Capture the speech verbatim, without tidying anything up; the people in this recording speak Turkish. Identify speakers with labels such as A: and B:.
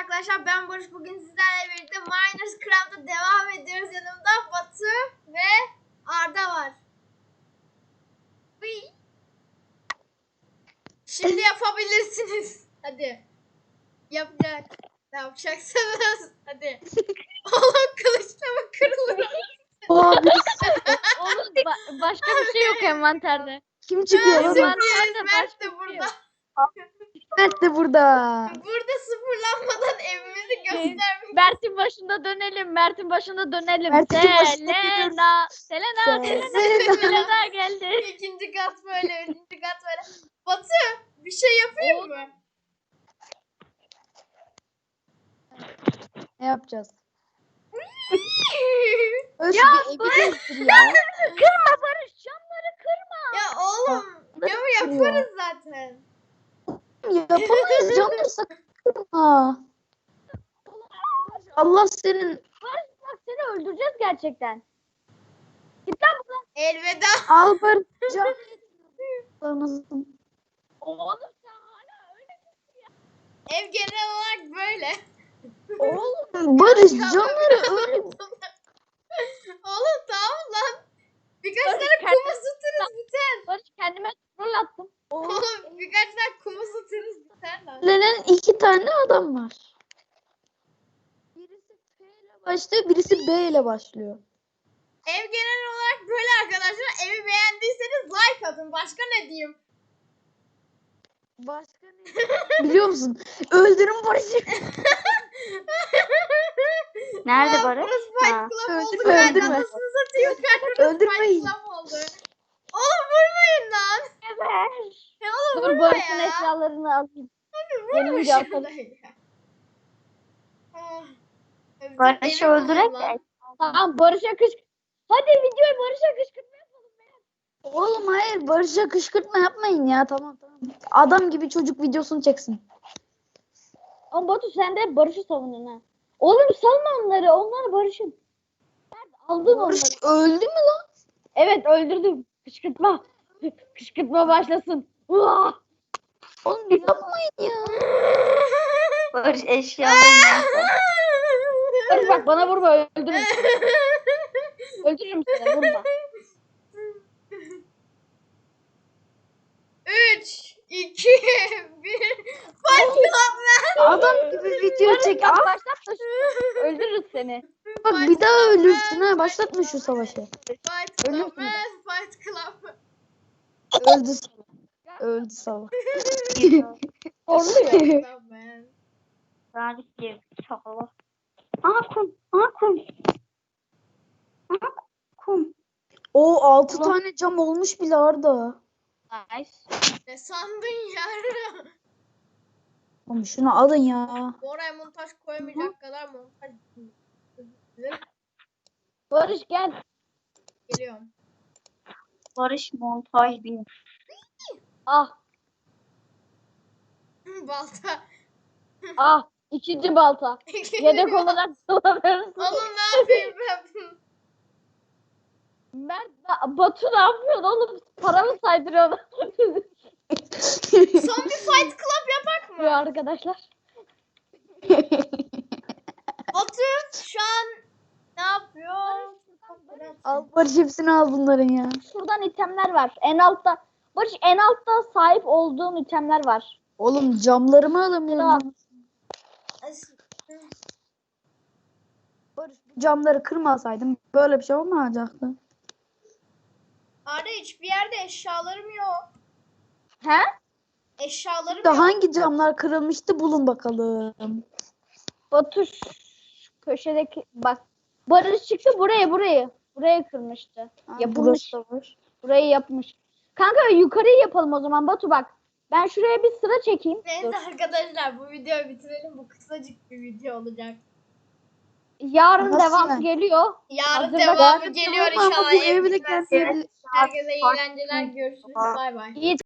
A: arkadaşlar, ben Barış. Bugün sizlerle birlikte Minecraft'a devam ediyoruz. Yanımda Batu ve Arda var. Uy. Şimdi yapabilirsiniz. Hadi. Yapacak. Ne yapacaksınız? Hadi. Oğlum kılıçla mı kırılır?
B: Oha birisi.
C: Oğlum ba- başka bir şey yok envanterde.
B: Kim çıkıyor lan?
A: Sürpriz.
C: Envanterde
A: Mert
C: başka
A: de
C: bir şey
A: burada.
C: yok.
B: Evet de burada.
A: Burada sıfırlanmadan evimizi göstermek.
C: Mert'in başında dönelim. Mert'in başında dönelim.
B: Mert'in başında
C: Selena. Selena.
B: Selena.
C: Selena. Selena geldi.
A: İkinci kat böyle, üçüncü kat böyle. Batu, bir şey yapayım
C: Oğlum.
A: mı?
B: Ne yapacağız? Öz
C: Ya
B: bir evi gezdir ya.
C: Kırma Barış. Camları kırma.
A: Ya oğlum, camı yaparız zaten.
B: Yapamayız canım sakın. Ha. Allah senin
C: Barış bak seni öldüreceğiz gerçekten. Git lan buradan.
A: Elveda.
B: Albert can. Anasın.
C: Oğlum sen hala öyle misin ya?
A: Ev genel olarak böyle.
B: Oğlum Barış canları öyle.
A: Oğlum tamam lan. Birkaç
C: Barış,
A: tane
C: kendine-
A: kum ısıtırız biter.
C: Barış kendime troll attım.
A: Oğlum birkaç tane kum ısıtırız biter lan.
B: Lenen iki tane adam var. Birisi P ile başlıyor, birisi B ile başlıyor.
A: Ev genel olarak böyle arkadaşlar. Evi beğendiyseniz like atın. Başka ne diyeyim?
B: Başka ne? Biliyor musun? Öldürün Barış'ı.
C: Nerede
A: Aa,
C: Barış?
A: Burası Fight
C: Ha.
A: Club oldu.
B: Öldürme,
A: Ben
B: öldürme.
A: anasını satayım. Burası
B: Öldürmeyin.
A: Fight Club oldu. Oğlum vurmayın lan.
C: Evet.
A: Ya oğlum
C: Dur
A: vurma
C: Barış'ın
A: ya.
C: eşyalarını alayım.
A: Vurma
C: Gelince
A: şurada
C: atalım.
A: ya. Ah, bizim
C: Barış'ı
A: evi
C: öldürek
A: bulalım lan.
C: de. Tamam Barış'a kış. Hadi videoyu Barış'a kışkırtma yapalım.
B: Oğlum hayır Barış'a kışkırtma yapmayın ya tamam tamam. Adam gibi çocuk videosunu çeksin.
C: Ama Batu sen de Barış'ı savundun ha. Oğlum salma onları. Onları Barış'ın. Nerede? Aldın
B: Barış
C: onları.
B: öldü mü lan?
C: Evet öldürdüm. Kışkırtma. Kışkırtma başlasın. Uah!
B: Oğlum yapmayın ya.
C: Barış eşyalarını. Barış bak bana vurma öldürürüm. Öldürürüm seni vurma.
A: Üç, iki, bir. Fight Club lan.
B: Adam gibi video
C: Barış
B: çek.
C: bak
B: Aa,
C: başlatma şunu. Öldürürüz seni.
B: bak bir daha ölürsün ha. Başlatma şu savaşı.
A: Fight Club
C: Ölürsün
A: man. Fight Club.
B: Öldü salak. Öldü salak.
C: Horluyor.
A: Fight Club man.
C: Galip diye çakala. Aa kum. Aa kum. Aa kum.
B: O altı
C: Ulan.
B: tane cam olmuş bile Arda.
C: Nice.
A: Ne sandın ya?
B: Oğlum şunu alın ya.
A: Oraya montaj koyamayacak kadar montaj.
C: Barış gel.
A: Geliyorum.
C: Barış montaj bin. Ah
A: Balta.
C: ah. İkinci balta. Yedek olarak kullanıyoruz.
A: Oğlum ne yapayım ben?
C: Mert Batu ne yapıyorsun oğlum? Para mı saydırıyorsun?
A: Son bir Fight Club yapak
C: Bu
A: mı?
C: arkadaşlar.
A: Batu şu an ne yapıyor?
B: Al Barış hepsini al bunların ya.
C: Şuradan itemler var. En altta. Barış en altta sahip olduğum itemler var.
B: Oğlum camlarımı alamıyorum. Barış bu camları kırmasaydım böyle bir şey olmayacaktı.
A: Arda hiçbir yerde eşyalarım yok.
C: He?
A: Eşyalarım
B: Da
A: yok.
B: hangi camlar kırılmıştı bulun bakalım.
C: Batu şu köşedeki bak. Barış çıktı buraya burayı. Burayı kırmıştı.
B: Ha,
C: Yapılmış.
B: burası da var.
C: Burayı yapmış. Kanka yukarıyı yapalım o zaman Batu bak. Ben şuraya bir sıra çekeyim.
A: Neyse
C: Dur.
A: arkadaşlar bu videoyu bitirelim. Bu kısacık bir video olacak.
C: Yarın
B: Nasıl
C: devamı
B: yani?
C: geliyor.
A: Yarın
C: Hazırda
A: devamı
C: var.
A: geliyor
B: Tamam ama
A: inşallah.
B: bu
A: ev
B: evde
A: bitmez.
B: kendi
A: Herkese iyi eğlenceler. Görüşürüz. Bay bay.
C: İyi